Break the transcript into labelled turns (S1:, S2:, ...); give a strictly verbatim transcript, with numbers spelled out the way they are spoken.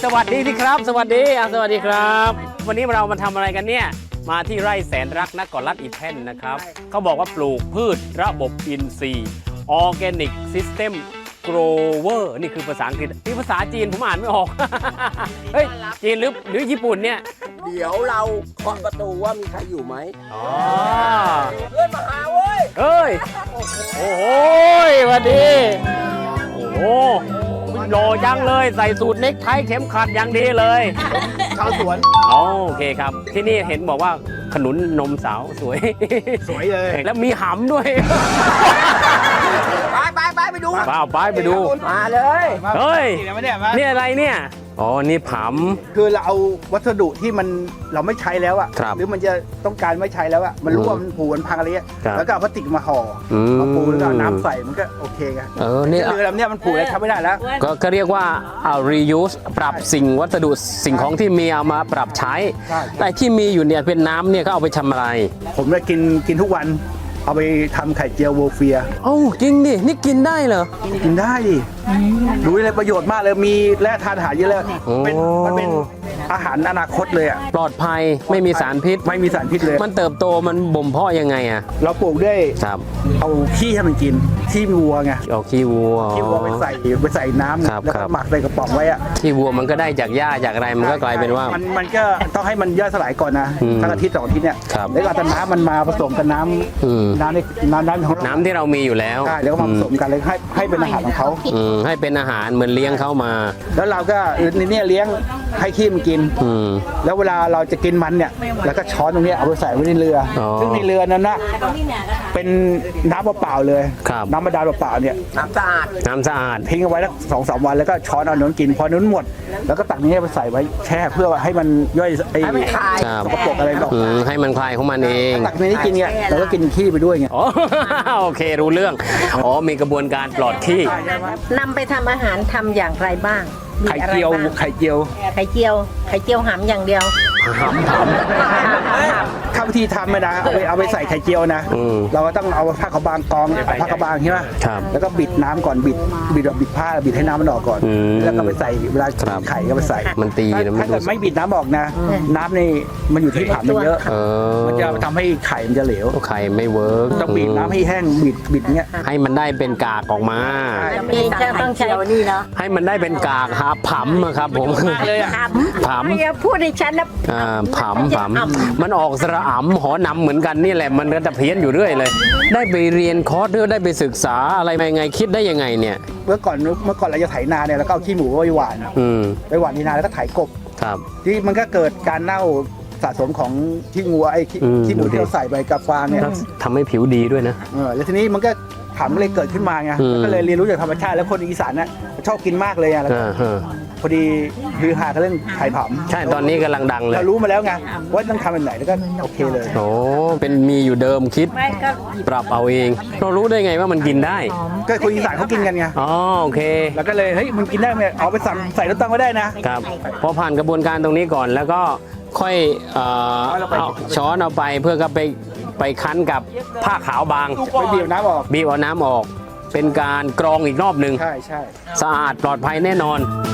S1: วัสดีสิครับสวัสดีอ่ะสวัสดีครับวันนี้เรามาทำอะไรกันเนี่ยมาที่ไร่แสนรักนครรัฐอีแท่นนะครับเขาบอกว่าปลูกพืชระบบอินทรีย์ Organic System Grower นี่คือภาษาอังกฤษนี่ภาษาจีนผมอ่านไม่ออก เฮ้ยจีนหรือหรือญี่ปุ่นเนี่ย
S2: เดี๋ยวเราเคาะประตูว่ามีใครอยู่ไหม
S1: อ๋อ
S2: เพื่อนมาหาเว้ย
S1: เฮ้ยโอ้โหสวัสดีโอ้โหโลจังเลยใส่สูทเน็กไทเข็มขัดอย่างดีเลย
S2: ชาวสวน
S1: โอเคครับที่นี่เห็นบอกว่าขนุนนมสาวสวย
S2: สวยเลย
S1: แล้วมีหำด้วย
S2: ไปไปไปไปดู
S1: ป้าไปไปดู
S2: มาเลย
S1: เฮ้ยนี่อะไรเนี่ยอ๋อนี่ผำ
S3: คือเราเอาวัสดุที่มันเราไม่ใช้แล้วอ่ะ
S1: ครับ
S3: หรือมันจะต้องการไม่ใช้แล้วอ่ะมันรั่วมันผุมันพังอะไรเงี้ย
S1: ครับ
S3: แล้วก็เอาพลาสติกมาห่ออ
S1: ม
S3: มาปูแล้วก็เอาน้ำใส่มันก็โอเคไง
S1: เออนี่
S3: เรือลำเนี้ยมันผุแล้วทำไม่ได้แล้ว
S1: ก็ก็เรียกว่าเอา reuse ปรับสิ่งวัสดุสิ่งของที่มีเอามาปรับใช้
S3: ใช่
S1: แต่ที่มีอยู่เนี่ยเป็นน้ำเนี่ยก็เอาไปทำอะไร
S3: ผมเลยกินกินทุกวัน เอาไปทำไข่เจียวโวเฟีย
S1: โอ้จริงดินี่กินได้เหรอ
S3: กินได้ดิรู้เลยประโยชน์มากเลยมีแร่ธาตุอาหารเยอะเลย
S1: โอ้
S3: เป็นมันเป็นอาหารอนาคตเลยอ่ะ
S1: ปลอดภัยไม่มีสารพิษ
S3: ไม่มีสารพิษเลย
S1: มันเติบโตมันบ่มเพาะยังไงอะ
S3: เราปลูกด้วย
S1: ครับ
S3: เอาขี้ให้มันกินขี้วัวไง
S1: เอาขี้วัว
S3: ขี้วัวไปใส่ไปใส่น้ำ
S1: ครับ
S3: แล้ว
S1: ครั
S3: ก็
S1: บ
S3: หมักใส่กระป๋องไว้อ่ะ
S1: ขี้วัวมันก็ได้จากหญ้าจากอะไรมันก็กลายเป็นว่า
S3: มันมันก็ต้องให้มันย่อยสลายก่อนนะ
S1: อืม
S3: สักอาทิตย์สองอาทิตย์เนี่ย
S1: ครับ
S3: แล้วก็เอาแต่น้ำมันมาผสมกับน้
S1: อืม
S3: ำน้ำในน้ำน้ำของเรา
S1: น้ำที่เรามีอยู่แล้ว
S3: ใช่แล้วก็มาผสมกันเลยให้ให้เป็นอาหารของเขา
S1: อืมให้เป็นอาหารเหมือนเลี้ยงเข้ามา
S3: แล้วเราก็ในเนี่ยเลี้ยงให้ขี้มันกิน
S1: อืม
S3: แล้วเวลาเราจะกินมันเนี่ยแล้วก็ช้อนตรงเนี้ยเอาไปใส่ไว้ในเรืออ
S1: อ
S3: ซึ่งในเรือนั้นนะเป็นน้ำเปล่าๆเลย
S1: ครับ
S3: น้ำบาดาลเปล่าๆเนี่ย
S2: น้ำสะอาด
S1: น้ำสะอาด
S3: ทิ้งเอาไว้สักสองสามวันแล้วก็ช้อนเอาน้ำกินพอน้ำหมด แล้วก็ตักนี้ไปใส่ไว้แช่เพื่อให้มันย่อยไอ้
S2: ให้มันคลาย
S1: ครับ
S3: สกปรกอะไรหรอก
S1: อืมให้มันคลายของมันเอง
S3: ตักในนี้กินเนี่ยเราก็กินขี้ไปด้วยไง
S1: อ๋อ โอเครู้เรื่องอ๋อมีกระบวนการปลอดขี้
S4: นำไปทำอาหารทำอย่างไรบ้างมี
S3: ไข่
S4: อะไร
S3: เจียว
S4: บ้าง
S3: ไข่เจียว
S4: ไข่เจียว ไข่เจียวหำอย่างเดียว
S1: หำห
S3: ข้าวิธีทำเลยนะเอาไปเอาไปใส่ไข่เจียวนะ
S1: อืม
S3: เราก็ต้องเอาผ้ากระบางกองเอาผ้ากระบางใช่ไหม
S1: ครับ
S3: แล้วก็บิดน้ำก่อนบิดบิดแบบบิดผ้าบิดให้น้ำมันออกก่อน
S1: อืม
S3: แล้วก็ไปใส่เวลา
S1: ครับ
S3: ไข่ก็ไปใส่
S1: มันตีนะมัน
S3: ถ้าเกิดไม่บิดน้ำออกนะ น้ำนี่มันอยู่ที่ผักมันเยอะ
S1: เออ
S3: มันจะทำให้ไข่มันจะเหลว
S1: ไข่ไม่เวิร์ก
S3: ต้องบีบน้ำให้แห้งบิดบิดเงี้ย
S1: ให้มันได้เป็นกากออกมา
S4: เองจะต้องใช้นี่เนาะ
S1: ให้มันได้เป็นกากหาผำอะครับผม
S3: เลยอะ
S1: ผำ
S4: อย่าพูดให้ฉันนะ
S1: อ่าผำผำมันออกสระอ่ำหอนำเหมือนกันนี่แหละมันก็จะเพี้ยนอยู่เรื่อยเลย ได้ไปเรียนคอร์สหรือได้ไปศึกษาอะไรมายังไงคิดได้ยังไงเนี่ย
S3: เมื่อก่อนเมื่อก่อนเราจะไถนาเนี่ยแล้วก็เอาขี้หมูไปหว่าน
S1: อืม
S3: ไปหว่านที่นาแล้วก็ไถกบ
S1: ครับ
S3: ที่มันก็เกิดการเน่าสะสมของขี้งัวไอ้ขี้
S1: อืม
S3: ขี้หมูที่เราใส่ไปกับฟางเนี่ย
S1: ทำให้ผิวดีด้วยนะ
S3: เออแล้วทีนี้มันก็ผำเลยเกิดขึ้นมาไง
S1: อืม
S3: ก็เลยเรียนรู้จากธรรมชาติแล้วคนอีสานน่ะชอบกินมากเลยอ่ะแล้ว
S1: อ่าฮะ
S3: พอดีคือหากันเรื่องไข่ผำ
S1: ใช่ตอนนี้กำลังดังเลย
S3: เรารู้มาแล้วไงว่าต้องทำแบบไหนแล้วก็โอเคเลย
S1: โอ้เป็นมีอยู่เดิมคิด
S4: ไม่ก็
S1: ปรับเอาเอง เรารู้ได้ไงว่ามันกินได้
S3: ก็คนอีสานเขากินกันไง
S1: อ๋อโอเค
S3: แล้วก็เลยเฮ้ยมันกินได้ไหมเอาไปสั่งใส่รถตังก็ได้นะครับ
S1: พอผ่านกระบวนการตรงนี้ก่อนแล้วก็ค่อยเอ่อเอาช้อนเอาไปเพื่อก็ไปไปคั้นกับผ้าขาวบาง
S3: ไปบีบน้ำออก
S1: บีบเอาน้ำออก เป็นการกรองอีกรอบหนึ่ง
S3: ใช่ใช่
S1: สะอาดปลอดภัยแน่นอน